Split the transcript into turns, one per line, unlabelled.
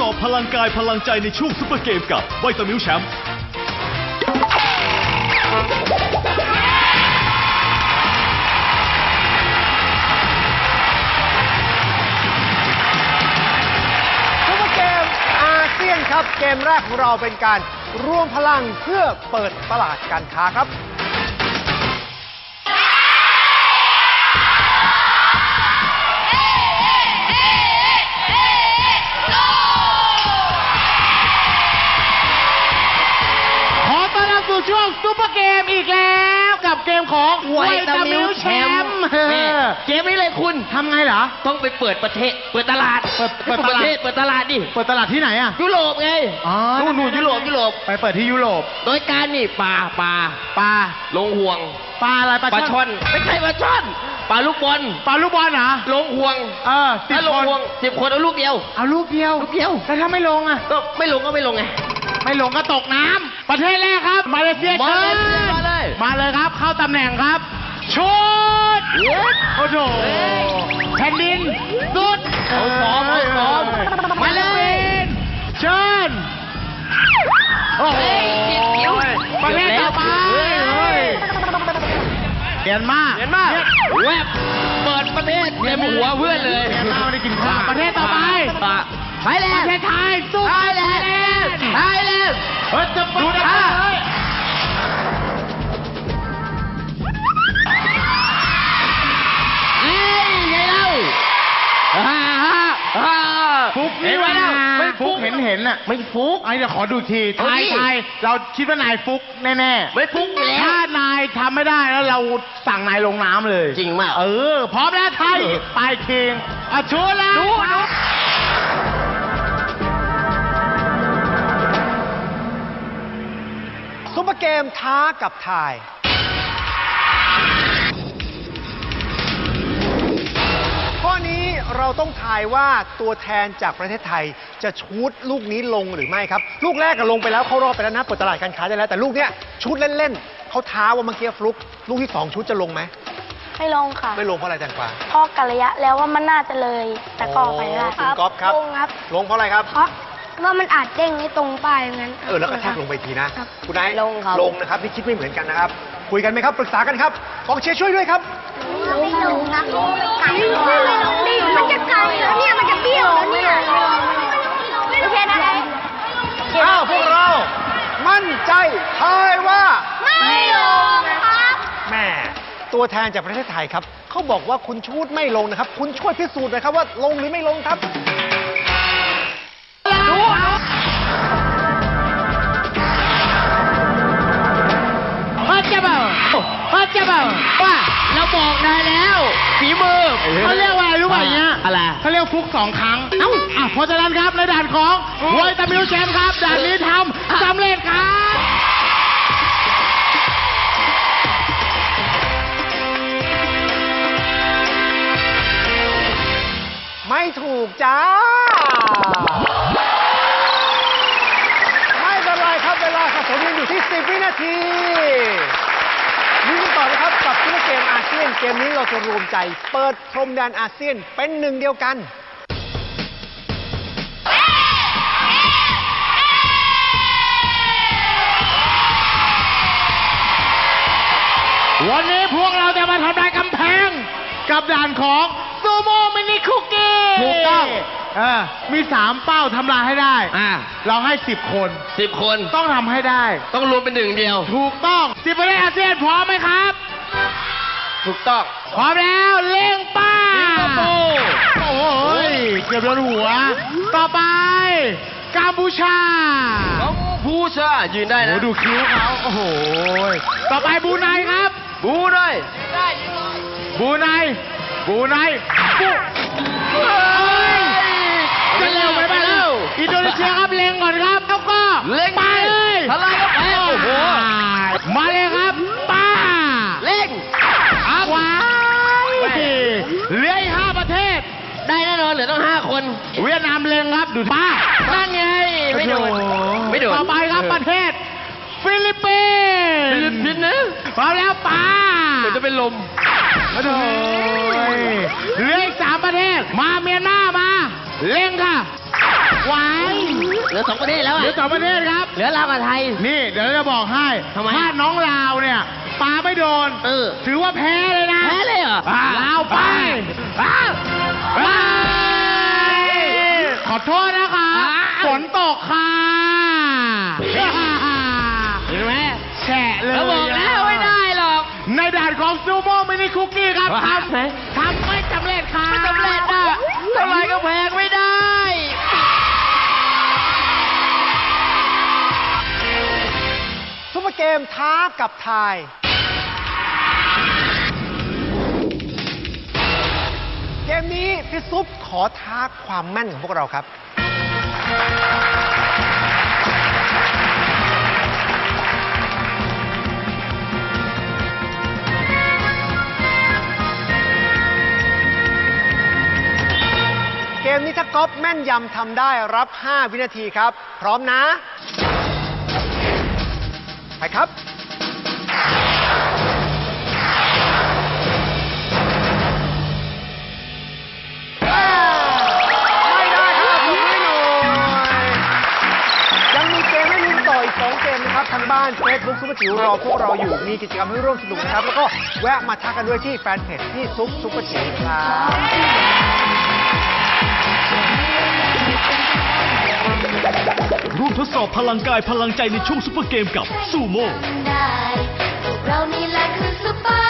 อบพลังกายพลังใจในช่วงซุปเปอร์เกมกับไวตามิลแชมป์
ครับเกมแรกของเราเป็นการรวมพลังเพื่อเปิดตลาดการค้าครับ
ขอต้อนรับสู่ช่วงซุปเปอร์เกมอีกแล้วกับเกมของไวตามิลแชมป์เกมนี้เลยคุณทำไงเหรอต้องไปเปิดประเทศเปิดตลาดเปิดประเทศเปิดตลาดดิเปิดตลาดที่ไหนอะยุโรปไงนู่นยุโรปไปเปิดที่ยุโรปโดยการนี่ปลาลงห่วงปลาอะไรปลาช่อนไม่ใช่ปลาช่อนปลาลูกบอลเหรอลงห่วงถ้าลงห่วง10 คนเอาลูกเดียวแล้วถ้าไม่ลงอะก็ไม่ลงไงไม่ลงก็ตกน้ำประเทศแรกครับมาเลเซียเชิญมาเลยครับเข้าตำแหน่งครับชุดโอ้โหแผ่นดินสุดเอาซ้อมมาเลยเชิญโอ้โหประเทศต่อไปเรียนมาแวบเปิดประเทศเตรียมหัวเพื่อนเลยไม่ได้กินข้าวประเทศต่อไปไทยแลนด์ประเทศไทยสู้ไทยแลนด์จะดูนะฟุกนี่วะไม่ฟุกเห็นน่ะไม่ฟุกไอ้เดี๋ยวขอดูทีไทยเราคิดว่านายฟุกแน่ๆไม่ฟุกแล้วถ้านายทำไม่ได้แล้วเราสั่งนายลงน้ำเลยจริงมากพร้อมแล้วไทยไปคิงชูแล้ว
ซุปเปอร์เกมท้ากับทายข้อนี้เราต้องทายว่าตัวแทนจากประเทศไทยจะชูตลูกนี้ลงหรือไม่ครับลูกแรกก็ลงไปแล้วเข้ารอบไปแล้วนะเปิดตลาดการค้าได้แล้วแต่ลูกเนี้ยชูตเล่นๆเขาท้าว่าเมื่อกี้ฟลุกลูกที่2ชูตจะลงไหม
ไม่ลงค่ะ
ไม่ลงเพราะอะไรจังกว่า
เพราะกะระยะแล้วว่ามันน่าจะเลยแต่ก็ไปได้
คุณก๊อฟครับลงเพราะอะไรครับ
เพราะว่ามันอาจเด้งไม่ตรงป้ายงั้น
แล้วก็แทกลงไปทีนะคุณนายลงนะครับที่คิดไม่เหมือนกันนะครับคุยกันไหมครับปรึกษากันครับกองเชียร์ช่วยด้วยครับ
ไม่ลงนะมันจะไกลแล้วเนี่ยมันจะเบี้ยวแล้วเนี่ยไม่ใช่อะไร
พวกเรามั่นใจทายว่า
ไม่ลงครับ
แม่ตัวแทนจากประเทศไทยครับเขาบอกว่าคุณชูดไม่ลงนะครับคุณช่วยพิสูจน์หน่อยครับว่าลงหรือไม่ลงครับ
จะบอกว่าเราบอกได้แล้วฝีมือเขาเรียกว่ารู้ป่ะเนี่ยอะไรเขาเรียกฟุก2 ครั้งเพราะฉะนั้นครับในด่านของไวตามิลแชมป์ครับด่านนี้ทำสำเร็จครับ
ไม่ถูกจ้าไม่เป็นไรครับเวลาสะสมยังอยู่ที่10 วินาทีนี่กันต่อนะครับกับซุปเปอร์เกมอาเซียนเกมนี้เราจะรวมใจเปิดพรมแดนอาเซียนเป็นหนึ่งเดียวกัน
วันนี้พวกเราจะมาทำลายกำแพงกับด่านของซูโม่มินิคุกกี้ถูกต้องมี3 เป้าทำลายให้ได้เราให้10 คนต้องทำให้ได้ต้องรวมเป็นหนึ่งเดียวถูกต้อง10 ประเทศอาเซียนพร้อมไหมครับถูกต้องพร้อมแล้วเล่งป้าโอ้ยเกือบโดนหัวต่อไปกัมพูชายืนได้นะดูคิ้วเขาโอ้โหต่อไปบรูไนครับบรูไนจะเร็วไปบ้างแล้วอินโดนีเซียครับเล็งก่อนครับแล้วก็เล็งไปเลยทลายก็ไปโอ้โหมาเลยครับป้าเล็งว้ายเหลืออีก5 ประเทศได้แน่นอนเหลือต้อง5 คนเวียดนามเล็งครับดูป้านั่นไงไม่โดนต่อไปครับประเทศฟิลิปปินส์นะพร้อมแล้วป้าจะเป็นลมเหลืออีก3 ประเทศมาเมียนมาเล็งค่ะไว้
เหลือ2 ประเทศแล้ว
เหลื
อ่ะ
อ2 ประเทศครับ
เหลือลาวกับไทย
นี่เดี๋ยวจะบอกให้
ทำไม
ถ้าน้องลาวเนี่ยปาไม่โดน ถือว่าแพ้เลยนะ
แพ้เลยเหรอ
ลาวไปขอโทษนะคะฝนตกค่ะ
เห็นไหม
แฉะเลย
เราบอกแล้วไม่ได้หรอก
ในด่านของซูโม่มินิคุกกี้ครับทำไม่สำเร็จค่ะ
ไม่สำเร็จอ่ะเท่าไรก็แพงไม่ได้
ซุปเปอร์เกมท้ากับทาย เกมนี้พี่ซุปขอท้าความแม่นของพวกเราครับ เกมนี้ถ้าก๊อฟแม่นยำทำได้รับ 5 วินาทีครับ พร้อมนะ ไปครับ ไม่ได้ครับผมไม่หน่อยยังมีเกมให้ลุ้นต่ออีก 2 เกมนะครับ ทางบ้าน Facebook ซุปเปอร์จิ๋วรอพวกเราอยู่ มีกิจกรรมให้ร่วมสนุกนะครับ แล้วก็แวะมาทักกันด้วยที่แฟนเพจที่ซุปเปอร์จิ๋วครับ
ร่วมทดสอบพลังกายพลังใจในช่วงซุปเปอร์เกมกับซูโม่
ได้พวกเรานี่แหละคือซุปเปอร์